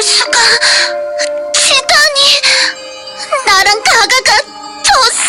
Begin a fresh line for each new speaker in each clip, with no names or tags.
수가. 치다니. 나랑 가가가 졌어.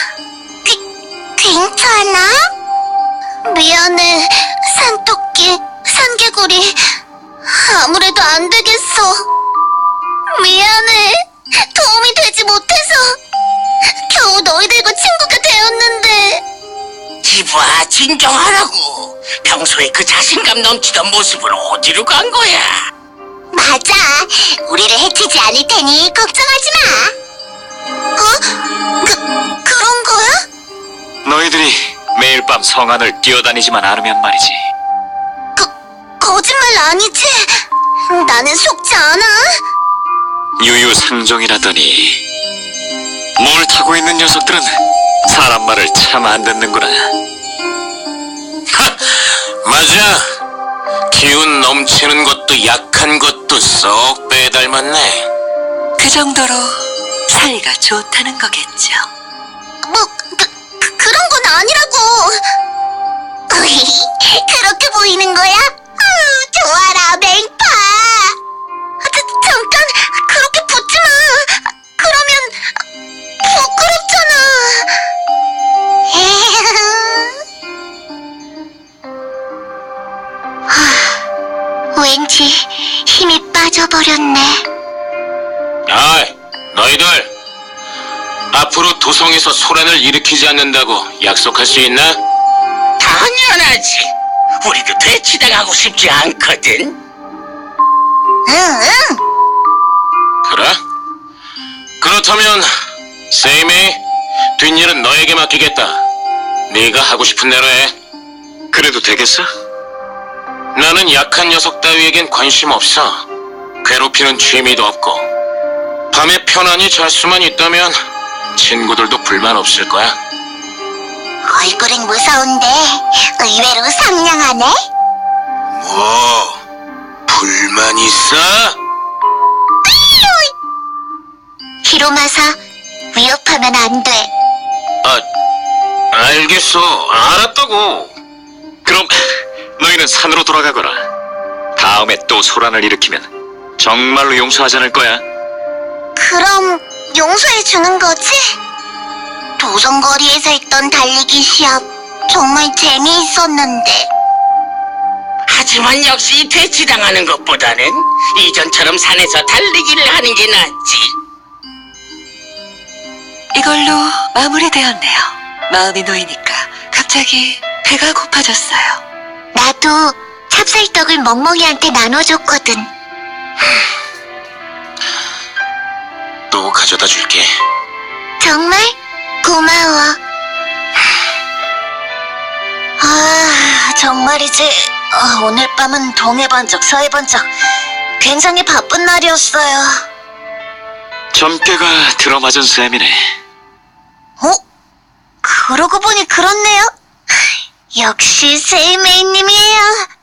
괜찮아? 미안해, 산토끼, 산개구리. 아무래도 안 되겠어. 미안해. 도움이 되지 못해서. 겨우 너희들과 친구가 되었는데.
이봐, 진정하라고. 평소에 그 자신감 넘치던 모습은 어디로 간 거야?
맞아. 우리를 해치지 않을 테니 걱정하지 마. 그런 거야?
너희들이 매일 밤 성 안을 뛰어다니지만 않으면 말이지.
거짓말 아니지? 나는 속지 않아.
유유상종이라더니 뭘 타고 있는 녀석들은 사람 말을 참 안 듣는구나.
맞아. 기운 넘치는 것도 약한 것도 쏙 빼닮았네.
그 정도로 사이가 좋다는 거겠죠.
뭐, 그런 건 아니라고. 그렇게 보이는 거야? 좋아라, 맹파. 잠깐, 그렇게 붙지 마. 그러면 부끄럽잖아. 왠지 힘이 빠져버렸네.
아이, 너희들. 앞으로 도성에서 소란을 일으키지 않는다고 약속할 수 있나? 당연하지. 우리도 대치당하고 싶지 않거든.
응.
그래? 그렇다면 세이메이, 뒷일은 너에게 맡기겠다. 네가 하고 싶은 대로 해.
그래도 되겠어?
나는 약한 녀석 따위에겐 관심 없어. 괴롭히는 취미도 없고. 밤에 편안히 잘 수만 있다면 친구들도 불만 없을 거야.
얼굴은 무서운데 의외로 상냥하네.
뭐? 불만 있어?
히로마사, 위협하면 안 돼.
알겠어. 알았다고.
그럼 너희는 산으로 돌아가거라. 다음에 또 소란을 일으키면 정말로 용서하지 않을 거야.
그럼 용서해 주는 거지? 도성거리에서 했던 달리기 시합 정말 재미있었는데.
하지만 역시 대치당하는 것보다는 이전처럼 산에서 달리기를 하는 게 낫지.
이걸로 마무리되었네요. 마음이 놓이니까 갑자기 배가 고파졌어요.
나도 찹쌀떡을 멍멍이한테 나눠줬거든.
또 가져다 줄게.
정말 고마워. 정말이지. 오늘 밤은 동해번쩍 서해번쩍 굉장히 바쁜 날이었어요.
점괘가 들어맞은 셈이네.
그러고 보니 그렇네요. 역시 세이메이님이에요.